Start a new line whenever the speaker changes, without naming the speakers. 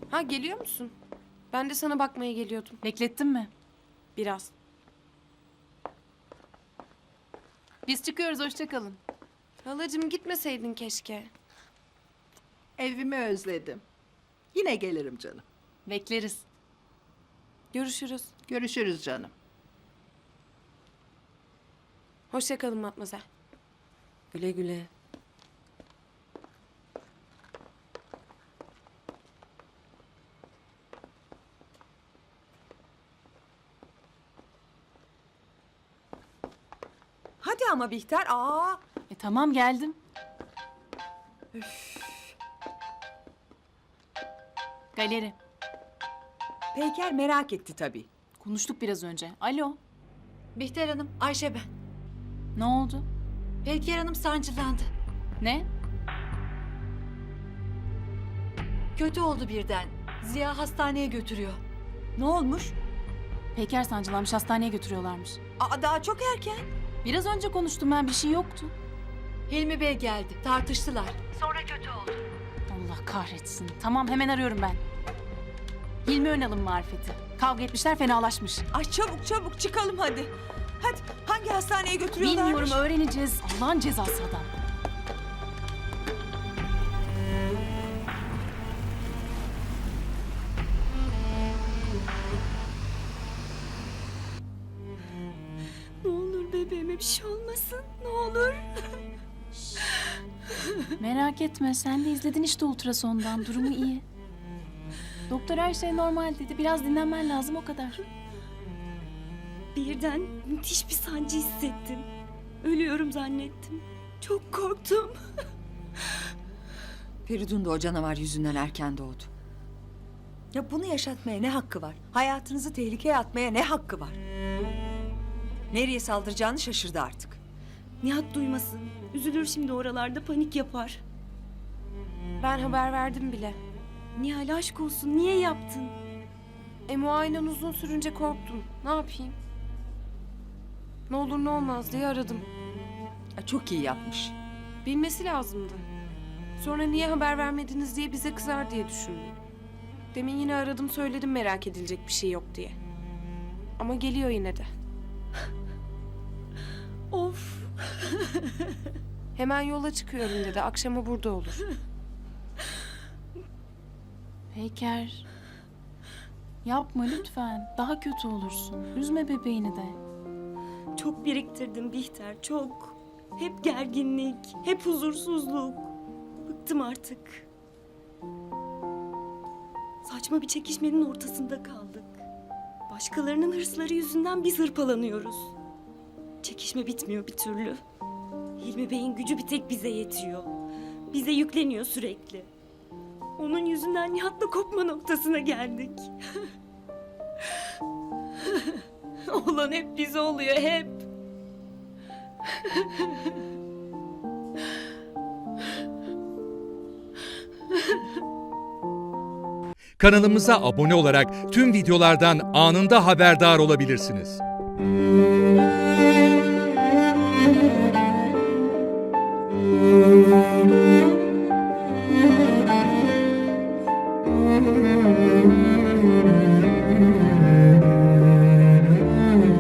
Ha, geliyor musun? Ben de sana bakmaya geliyordum.
Beklettin mi?
Biraz.
Biz çıkıyoruz, hoşça kalın.
Halacığım, gitmeseydin keşke.
Evimi özledim. Yine gelirim canım.
Bekleriz.
Görüşürüz.
Görüşürüz canım.
Hoşça kalın Matmazel.
Güle güle. Hadi ama Bihter.
Tamam geldim. Galeri.
Peyker merak etti tabii.
Konuştuk biraz önce. Alo.
Bihter Hanım, Ayşe ben.
Ne oldu?
Peyker Hanım sancılandı.
Ne?
Kötü oldu birden. Ziya hastaneye götürüyor.
Ne olmuş?
Peker sancılanmış, hastaneye götürüyorlarmış.
Daha çok erken.
Biraz önce konuştum ben, bir şey yoktu.
Hilmi Bey geldi, tartıştılar. Sonra kötü oldu.
Allah kahretsin. Tamam, hemen arıyorum ben. Hilmi Önal'ın marifeti. Kavga etmişler, fenalaşmış.
Ay çabuk çabuk çıkalım hadi. Hadi hangi hastaneye götürüyorlarmış?
Bilmiyorum, öğreneceğiz. Allah'ın cezası adam.
Ne olur bebeğime bir şey olmasın. Ne olur.
Merak etme, sen de izledin işte ultrasondan. Durumu iyi. Doktor her şey normal dedi. Biraz dinlenmen lazım, o kadar.
Birden müthiş bir sancı hissettim. Ölüyorum zannettim. Çok korktum.
Feridun da o canavar yüzünden erken doğdu. Ya bunu yaşatmaya ne hakkı var? Hayatınızı tehlikeye atmaya ne hakkı var? Nereye saldıracağını şaşırdı artık.
Nihat duymasın. Üzülür şimdi, oralarda panik yapar.
Ben haber verdim bile.
Nihal aşk olsun, niye yaptın?
Muayenen uzun sürünce korktum. Ne yapayım? Ne olur ne olmaz diye aradım.
Ya çok iyi yapmış.
Bilmesi lazımdı. Sonra niye haber vermediniz diye bize kızar diye düşündüm. Demin yine aradım, söyledim merak edilecek bir şey yok diye. Ama geliyor yine de.
Of.
Hemen yola çıkıyorum dedi. Akşama burada olur.
Peker. Yapma lütfen. Daha kötü olursun. Üzme bebeğini de.
Çok biriktirdim Bihter, çok. Hep gerginlik, hep huzursuzluk. Bıktım artık. Saçma bir çekişmenin ortasında kaldık. Başkalarının hırsları yüzünden biz hırpalanıyoruz. Çekişme bitmiyor bir türlü. Hilmi Bey'in gücü bir tek bize yetiyor. Bize yükleniyor sürekli. Onun yüzünden Nihat'la kopma noktasına geldik. Olan hep bize oluyor, hep.
Kanalımıza abone olarak tüm videolardan anında haberdar olabilirsiniz.